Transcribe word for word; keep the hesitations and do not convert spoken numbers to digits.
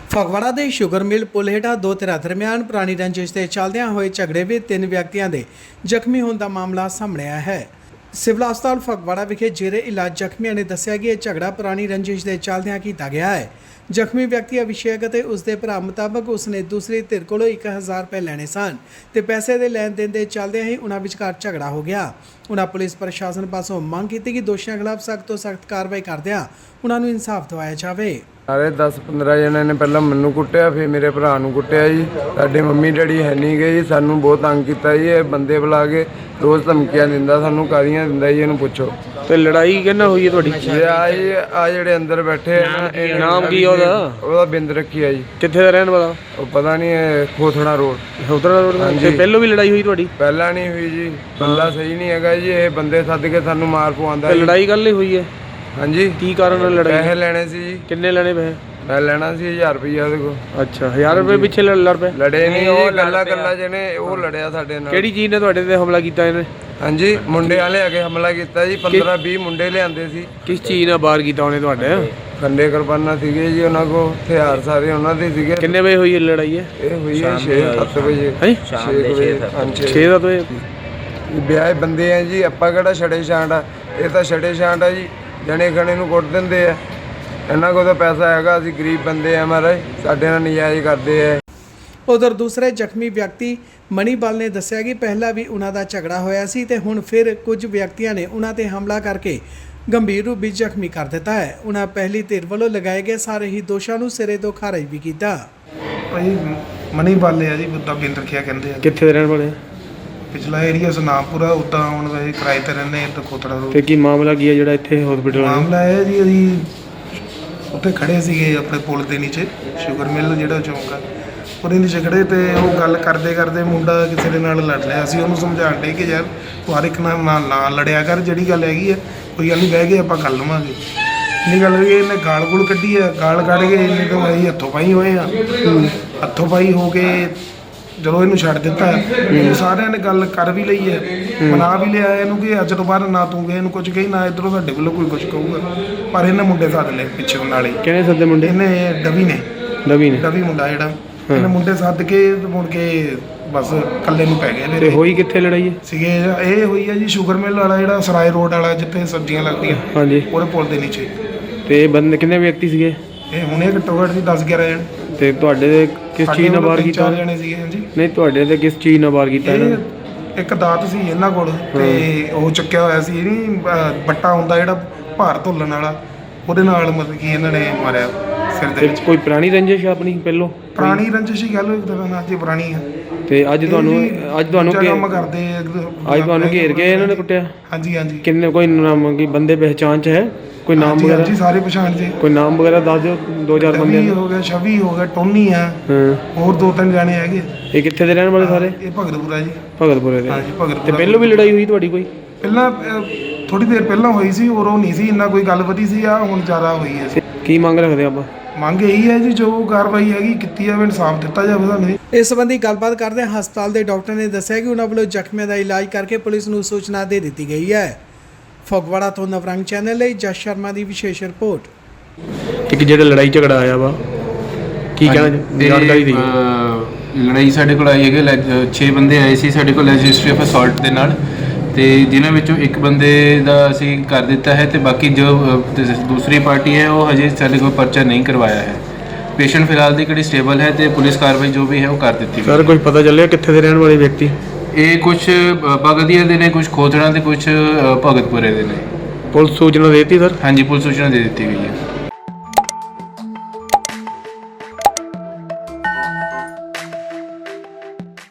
ਫਗਵਾੜਾ ਦੇ sugar mill ਪੁਲ ਹੇਠਾਂ ਦੋ ਧਿਰਾਂ ਦਰਮਿਆਨ ਪੁਰਾਣੀ ਰੰਜਿਸ਼ ਦੇ ਚੱਲਦਿਆਂ ਹੋਏ ਝਗੜੇ ਵਿੱਚ ਤਿੰਨ ਵਿਅਕਤੀਆਂ ਦੇ ਜ਼ਖਮੀ ਹੋਣ ਦਾ ਮਾਮਲਾ ਸਾਹਮਣੇ ਆਇਆ ਹੈ। ਸਿਵਲ ਹਸਪਤਾਲ ਫਗਵਾੜਾ ਵਿਖੇ ਜੇਰੇ ਇਲਾਜ ਜ਼ਖਮੀਆਂ ਨੇ ਦੱਸਿਆ ਕਿ ਇਹ ਝਗੜਾ ਪੁਰਾਣੀ ਰੰਜਿਸ਼ ਦੇ ਚੱਲਦਿਆਂ ਕੀਤਾ ਗਿਆ ਹੈ। ਜ਼ਖਮੀ ਵਿਅਕਤੀ ਅਭਿਸ਼ੇਕ ਅਤੇ ਉਸਦੇ ਭਰਾ ਮੁਤਾਬਕ ਉਸਨੇ ਦੂਸਰੀ ਧਿਰ ਕੋਲੋਂ ਇੱਕ ਹਜ਼ਾਰ ਰੁਪਏ ਲੈਣੇ ਸਨ ਤੇ ਪੈਸੇ ਦੇ ਲੈਣ ਦੇਣ ਦੇ ਚੱਲਦਿਆਂ ਹੀ ਉਹਨਾਂ ਵਿਚਕਾਰ ਝਗੜਾ ਹੋ ਗਿਆ। ਉਹਨਾਂ ਪੁਲਿਸ ਪ੍ਰਸ਼ਾਸਨ ਪਾਸੋਂ ਮੰਗ ਕੀਤੀ ਕਿ ਦੋਸ਼ੀਆਂ ਖਿਲਾਫ ਸਖਤ ਤੋਂ ਸਖਤ ਕਾਰਵਾਈ ਕਰਦਿਆਂ ਉਹਨਾਂ ਨੂੰ ਇਨਸਾਫ ਦਿਵਾਇਆ ਜਾਵੇ। ਸਾਰੇ ਦਸ ਪੰਦਰਾਂ ਜਣਿਆਂ ਨੇ ਪਹਿਲਾਂ ਮੈਨੂੰ ਕੁੱਟਿਆ, ਫਿਰ ਮੇਰੇ ਭਰਾ ਨੂੰ ਕੁੱਟਿਆ ਜੀ। ਸਾਡੇ ਮੰਮੀ ਡੈਡੀ ਹੈ ਨਹੀਂ ਗਏ ਜੀ, ਸਾਨੂੰ ਬਹੁਤ ਤੰਗ ਕੀਤਾ ਜੀ। ਇਹ ਬੰਦੇ ਬੁਲਾ ਕੇ ਰੋਜ਼ ਧਮਕੀਆਂ ਦਿੰਦਾ, ਸਾਨੂੰ ਕਾਹਦੀਆਂ ਦਿੰਦਾ ਜੀ, ਇਹਨੂੰ ਪੁੱਛੋ। ਤੇ ਲੜਾਈ ਕਿਹਨਾਂ ਹੋਈ ਹੈ ਤੁਹਾਡੀ? ਆ ਜੀ ਆ ਜਿਹੜੇ ਅੰਦਰ ਬੈਠੇ ਆ, ਇਹ ਨਾਮ ਕੀ ਉਹਦਾ? ਉਹਦਾ ਬਿੰਦ ਰੱਖੀ ਆ ਜੀ। ਕਿੱਥੇ ਦਾ ਰਹਿਣ ਵਾਲਾ? ਉਹ ਪਤਾ ਨਹੀਂ, ਇਹ ਖੋਥੜਾ ਰੋਡ। ਖੋਥੜਾ ਰੋਡ। ਤੇ ਪਹਿਲੋਂ ਵੀ ਲੜਾਈ ਹੋਈ ਤੁਹਾਡੀ? ਪਹਿਲਾਂ ਨਹੀਂ ਹੋਈ ਜੀ, ਬੰਦਾ ਸਹੀ ਨਹੀਂ ਹੈਗਾ ਜੀ। ਇਹ ਬੰਦੇ ਸੱਦ ਕੇ ਸਾਨੂੰ ਮਾਰ ਪਵਾਉਂਦਾ। ਤੇ ਲੜਾਈ ਕੱਲ ਹੀ ਹੋਈ ਹੈ? ਹਾਂਜੀ। ਕੀ ਕਾਰਨ ਨਾਲ ਲੜਾਈ? ਪੈਸੇ ਲੈਣੇ ਸੀ ਜੀ। ਕਿੰਨੇ ਲੈਣੇ ਪੈਸੇ? ਮੈਂ ਲੈਣਾ ਸੀ ਹਜ਼ਾਰ ਰੁਪਈਆ ਉਹਦੇ ਕੋਲ। ਅੱਛਾ, ਹਜ਼ਾਰ ਰੁਪਏ ਪਿੱਛੇ ਲੜ ਪਏ? ਲੜੇ ਨਹੀਂ ਜੀ, ਗੱਲਾਂ ਗੱਲਾਂ ਜਿਹਨੇ ਉਹ ਲੜਿਆ ਸਾਡੇ ਨਾਲ। ਕਿਹੜੀ ਚੀਜ਼ ਨੇ ਤੁਹਾਡੇ ਤੇ ਹਮਲਾ ਕੀਤਾ ਇਹਨੇ? ਹਾਂਜੀ, ਮੁੰਡੇ ਵਾਲੇ ਆ ਕੇ ਹਮਲਾ ਕੀਤਾ ਜੀ। ਪੰਦਰਾਂ ਵੀਹ ਮੁੰਡੇ ਲਿਆਂਦੇ ਸੀ। ਕਿਸ ਚੀਜ਼ ਨਾਲ ਬਾਹਰ ਕੀਤਾ ਉਹਨੇ ਤੁਹਾਡੇ? ਖੰਡੇ ਕੁਰਬਾਨਾ ਸੀਗੇ ਜੀ ਉਹਨਾਂ ਕੋਲ, ਹਥਿਆਰ ਸਾਰੇ ਉਹਨਾਂ ਦੇ ਸੀਗੇ। ਕਿੰਨੇ ਵਜੇ ਹੋਈ ਇਹ ਲੜਾਈ? ਹੈ ਇਹ ਹੋਈ ਹੈ ਛੇ ਸੱਤ ਵਜੇ। ਹਾਂਜੀ, ਛੇ ਵਜੇ। ਛੇ ਸੱਤ ਵਜੇ ਵਿਆਹ ਬੰਦੇ ਆ ਜੀ, ਆਪਾਂ ਕਿਹੜਾ ਛੜੇ ਛਾਂਟ ਆ? ਇਹ ਤਾਂ ਛੜੇ ਛਾਂਟ ਆ ਜੀ, ਜਣੇ ਖਣੇ ਨੂੰ ਕੁੱਟ ਦਿੰਦੇ ਆ। ਇਹਨਾਂ ਕੋਲ ਤਾਂ ਪੈਸਾ ਹੈਗਾ, ਅਸੀਂ ਗਰੀਬ ਬੰਦੇ ਆ ਮਹਾਰਾਜ, ਸਾਡੇ ਨਾਲ ਨਜਾਇਜ਼ ਕਰਦੇ ਆ। ਉਧਰ ਦੂਸਰੇ ਜ਼ਖਮੀ ਵਿਅਕਤੀ ਮਣੀਪਾਲ ਨੇ ਦੱਸਿਆ ਕਿ ਪਹਿਲਾਂ ਵੀ ਉਹਨਾਂ ਦਾ ਝਗੜਾ ਹੋਇਆ ਸੀ ਤੇ ਹੁਣ ਫਿਰ ਕੁਝ ਵਿਅਕਤੀਆਂ ਨੇ ਉਹਨਾਂ ਤੇ ਹਮਲਾ ਕਰਕੇ ਗੰਭੀਰ ਰੂਪ ਵਿੱਚ ਜ਼ਖਮੀ ਕਰ ਦਿੱਤਾ ਹੈ। ਉਹਨਾਂ ਪਹਿਲੀ ਧਿਰ ਵੱਲੋਂ ਲਗਾਏ ਗਏ ਸਾਰੇ ਹੀ ਦੋਸ਼ਾਂ ਨੂੰ ਸਿਰੇ ਤੋਂ ਖਾਰਜ ਵੀ ਕੀਤਾ। ਭਾਈ ਮਣੀਪਾਲ ਆ ਜੀ, ਬੁੱਧਾ ਬਿੰਦ ਰੱਖਿਆ ਕਹਿੰਦੇ ਆ। ਕਿੱਥੇ ਦੇ ਰਹਿਣ ਵਾਲੇ? ਪਿਛਲਾ ਏਰੀਆ ਸੁਨਾਮਪੁਰਾ, ਉੱਦਾਂ ਹੁਣ ਵੈਸੇ ਕਿਰਾਏ ਤੇ ਰਹਿੰਦੇ ਇੱਥੇ ਖੋਤੜਾ ਰੋਡ। ਤੇ ਕੀ ਮਾਮਲਾ ਕੀ ਹੈ ਜਿਹੜਾ ਇੱਥੇ ਹਸਪੀਟਲ? ਮਾਮਲਾ ਇਹ ਜੀ, ਅਸੀਂ ਉੱਥੇ ਖੜੇ ਸੀਗੇ ਆਪਣੇ ਪੁਲ ਦੇ ਨੀਚੇ, ਸ਼ੂਗਰ ਮਿਲ ਜਿਹੜਾ ਚੌਂਕ ਆ, ਉਹਦੇ ਨੀਚੇ ਖੜੇ ਤੇ ਉਹ ਗੱਲ ਕਰਦੇ ਕਰਦੇ ਮੁੰਡਾ ਕਿਸੇ ਦੇ ਨਾਲ ਲੜ ਲਿਆ। ਅਸੀਂ ਉਹਨੂੰ ਸਮਝਾਉਣ ਡੇ ਕਿ ਯਾਰ ਤੂੰ ਹਰ ਇੱਕ ਨਾਲ ਨਾ ਲੜਿਆ ਕਰ, ਜਿਹੜੀ ਗੱਲ ਹੈਗੀ ਆ ਕੋਈ ਗੱਲ ਨਹੀਂ, ਬਹਿ ਕੇ ਆਪਾਂ ਕਰ ਲਵਾਂਗੇ। ਇੰਨੀ ਗੱਲ ਹੋਈ, ਇਹਨੇ ਗਾਲ ਗੂਲ ਕੱਢੀ ਆ। ਗਾਲ ਕੱਢ ਕੇ ਇਹਨੇ ਤਾਂ ਅਸੀਂ ਹੱਥੋਂ ਪਾਈ ਹੋਏ ਆ। ਹੱਥੋਂ ਪਾਈ ਹੋ ਕੇ ਜਦੋਂ ਇਹਨੂੰ ਛੱਡ ਦਿੱਤਾ, ਸਾਰਿਆਂ ਨੇ ਗੱਲ ਕਰ ਵੀ ਲਈ ਹੈ, ਮਨਾ ਵੀ ਲਿਆ ਇਹਨੂੰ ਕਿ ਅੱਜ ਤੋਂ ਬਾਅਦ ਨਾ ਤੂੰ ਇਹਨੂੰ ਕੁਝ ਕਹੀ, ਨਾ ਇੱਧਰੋਂ ਸਾਡੇ ਵੱਲੋਂ ਕੋਈ ਕੁਝ ਕਹੂਗਾ। ਪਰ ਇਹਨੇ ਮੁੰਡੇ ਸੱਦ ਲਏ ਪਿੱਛੇ ਨਾਲ ਹੀ। ਕਿਹਨੇ ਸੱਦੇ ਮੁੰਡੇ? ਇਹਨੇ ਡਵੀ ਨੇ। ਡਵੀ ਨੇ? ਡਵੀ ਮੁੰਡਾ ਜਿਹੜਾ, ਇਹਨੇ ਮੁੰਡੇ ਸੱਦ ਕੇ ਮੁੜ ਕੇ ਬਸ ਇਕੱਲੇ ਨੂੰ ਪੈ ਗਏ। ਤੇ ਹੋਈ ਕਿੱਥੇ ਲੜਾਈ? ਸੀਗੇ ਇਹ ਹੋਈ ਹੈ ਜੀ ਸ਼ੂਗਰ ਮਿਲ ਵਾਲਾ, ਜਿਹੜਾ ਸਰਾਏ ਰੋਡ ਵਾਲਾ ਜਿੱਥੇ ਸਬਜ਼ੀਆਂ ਲੱਗਦੀਆਂ। ਹਾਂਜੀ, ਉਹਦੇ ਪੁਲ ਦੇ ਨੀਚੇ। ਤੇ ਬੰਦੇ ਕਿੰਨੇ ਵਿਅਕਤੀ ਸੀਗੇ ਇਹ? ਹੁਣੇ ਘੱਟੋ ਘੱਟ ਜੀ ਦਸ ਗਿਆਰਾਂ ਜਣ। ਤੇ ਤੁਹਾਡੇ ਦੇ ਕਿਸ ਚੀਜ਼ ਨਾਲ ਬਾਹਰ ਕੀਤਾ? ਚਾਰ ਜਣੇ ਸੀਗੇ। ਹਾਂਜੀ। ਨਹੀਂ, ਤੁਹਾਡੇ ਤੇ ਕਿਸ ਚੀਜ਼ ਨਾਲ ਬਾਹਰ ਕੀਤਾ ਇਹਨਾਂ ਨੇ? ਇੱਕ ਦਾਤ ਸੀ ਇਹਨਾਂ ਕੋਲ ਤੇ ਉਹ ਚੱਕਿਆ ਹੋਇਆ ਸੀ, ਨਹੀਂ ਬੱਟਾ ਹੁੰਦਾ ਜਿਹੜਾ ਭਾਰ ਧੁੱਲਣ ਵਾਲਾ, ਉਹਦੇ ਨਾਲ ਮਤਲਬ ਕਿ ਇਹਨਾਂ ਨੇ ਮਾਰਿਆ ਸਿਰ ਦੇ ਵਿੱਚ। ਕੋਈ ਪੁਰਾਣੀ ਰੰਜਿਸ਼ ਆਪਣੀ ਪਹਿਲੋਂ? ਪੁਰਾਣੀ ਰੰਜਿਸ਼ ਹੀ ਗੱਲ ਇੱਕ ਤਰ੍ਹਾਂ ਨਾਲ ਜੀ, ਪੁਰਾਣੀ ਆ। ਤੇ ਅੱਜ ਤੁਹਾਨੂੰ ਅੱਜ ਤੁਹਾਨੂੰ ਕੰਮ ਕਰਦੇ ਅੱਜ ਤੁਹਾਨੂੰ ਘੇਰ ਕੇ ਇਹਨਾਂ ਨੇ ਕੁੱਟਿਆ? ਹਾਂਜੀ ਹਾਂਜੀ। ਕਿੰਨੇ ਕੋਈ ਨਾਮ ਕੀ ਬੰਦੇ ਪਹਿਚਾਣ ਚ ਹੈ? ਕੋਈ ਨਾਮ ਵਗੈਰਾ? ਜੀ ਸਾਰੇ ਪਛਾਣ ਜੀ। ਕੋਈ ਨਾਮ ਵਗੈਰਾ ਦੱਸ ਦਿਓ। ਦੋ ਚਾਰ ਬੰਦੇ ਹੋ ਗਏ, ਛਵੀ ਹੋ ਗਿਆ, ਟੋਨੀ ਆ, ਹਾਂ, ਹੋਰ ਦੋ ਤਿੰਨ ਜਾਣੇ ਹੈਗੇ। ਇਹ ਕਿੱਥੇ ਦੇ ਰਹਿਣ ਵਾਲੇ ਸਾਰੇ? ਇਹ ਭਗਤਪੁਰਾ ਜੀ। ਭਗਤਪੁਰੇ ਦੇ? ਹਾਂਜੀ, ਭਗਤਪੁਰਾ। ਤੇ ਪਹਿਲੋਂ ਵੀ ਲੜਾਈ ਹੋਈ ਤੁਹਾਡੀ ਕੋਈ? ਪਹਿਲਾਂ ਥੋੜੀ ਦੇਰ ਪਹਿਲਾਂ ਹੋਈ ਸੀ, ਉਦੋਂ ਨਹੀਂ ਸੀ ਇੰਨਾ ਕੋਈ ਗੱਲ ਵਧੀ ਸੀ, ਆ ਹੁਣ ਜ਼ਿਆਦਾ ਹੋਈ ਹੈ। ਕੀ ਮੰਗ ਰੱਖਦੇ ਆਪਾਂ? ਮੰਗ ਇਹੀ ਹੈ ਜੀ, ਜੋ ਕਾਰਵਾਈ ਹੈਗੀ ਕੀਤੀ ਜਾਵੇ, ਇਨਸਾਫ ਦਿੱਤਾ ਜਾਵੇ ਸਾਨੂੰ। ਇਸ ਸੰਬੰਧੀ ਗੱਲਬਾਤ ਕਰਦੇ ਹਸਪਤਾਲ ਦੇ ਡਾਕਟਰ ਨੇ ਦੱਸਿਆ ਕਿ ਉਹਨਾਂ ਵੱਲੋਂ ਜ਼ਖਮੀਆਂ ਦਾ ਇਲਾਜ ਕਰਕੇ ਪੁਲਿਸ ਨੂੰ ਸੂਚਨਾ ਦੇ ਦਿੱਤੀ ਗਈ ਹੈ। ਫਗਵਾੜਾ ਤੋਂ ਨਵਰੰਗ ਚੈਨਲ ਲਈ ਜਸ ਸ਼ਰਮਾ ਦੀ ਵਿਸ਼ੇਸ਼ ਰਿਪੋਰਟ। ਇੱਕ ਜਿਹੜਾ ਲੜਾਈ ਝਗੜਾ ਆਇਆ ਵਾ, ਕੀ ਕਹਿਣਾ ਜਾਣਕਾਰੀ ਦੀ? ਲੜਾਈ ਸਾਡੇ ਕੋਲ ਆਈ ਹੈਗੇ ਛੇ ਬੰਦੇ ਆਏ ਸੀ ਸਾਡੇ ਕੋਲ ਰਜਿਸਟਰੀ ਆਫ ਅਸੌਲਟ ਦੇ ਨਾਲ, ਤੇ ਜਿਨ੍ਹਾਂ ਵਿੱਚੋਂ ਇੱਕ ਬੰਦੇ ਦਾ ਅਸੀਂ ਕਰ ਦਿੱਤਾ ਹੈ ਤੇ ਬਾਕੀ ਜੋ ਦੂਸਰੀ ਪਾਰਟੀ ਹੈ ਉਹ ਹਜੇ ਸਾਡੇ ਕੋਲ ਪਰਚਾ ਨਹੀਂ ਕਰਵਾਇਆ ਹੈ। ਪੇਸ਼ੈਂਟ ਫਿਲਹਾਲ ਦੀ ਕਿਹੜੀ ਸਟੇਬਲ ਹੈ ਤੇ ਪੁਲਿਸ ਕਾਰਵਾਈ ਜੋ ਵੀ ਹੈ ਉਹ ਕਰ ਦਿੱਤੀ ਸਰ, ਕੁਝ ਪਤਾ ਚੱਲਿਆ ਕਿੱਥੇ ਦੇ ਰਹਿਣ ਵਾਲੇ ਵਿਅਕਤੀ? ਇਹ ਕੁਝ ਬਗਦੀਆ ਦੇ ਨੇ, ਕੁਝ ਖੋਤੜਾ ਦੇ, ਕੁਝ ਭਗਤਪੁਰੇ ਦੇ ਨੇ। ਪੁਲਿਸ ਸੂਚਨਾ ਦੇ ਦਿੱਤੀ ਸਰ? ਹਾਂਜੀ, ਪੁਲਿਸ ਸੂਚਨਾ ਦੇ ਦਿੱਤੀ ਗਈ ਹੈ।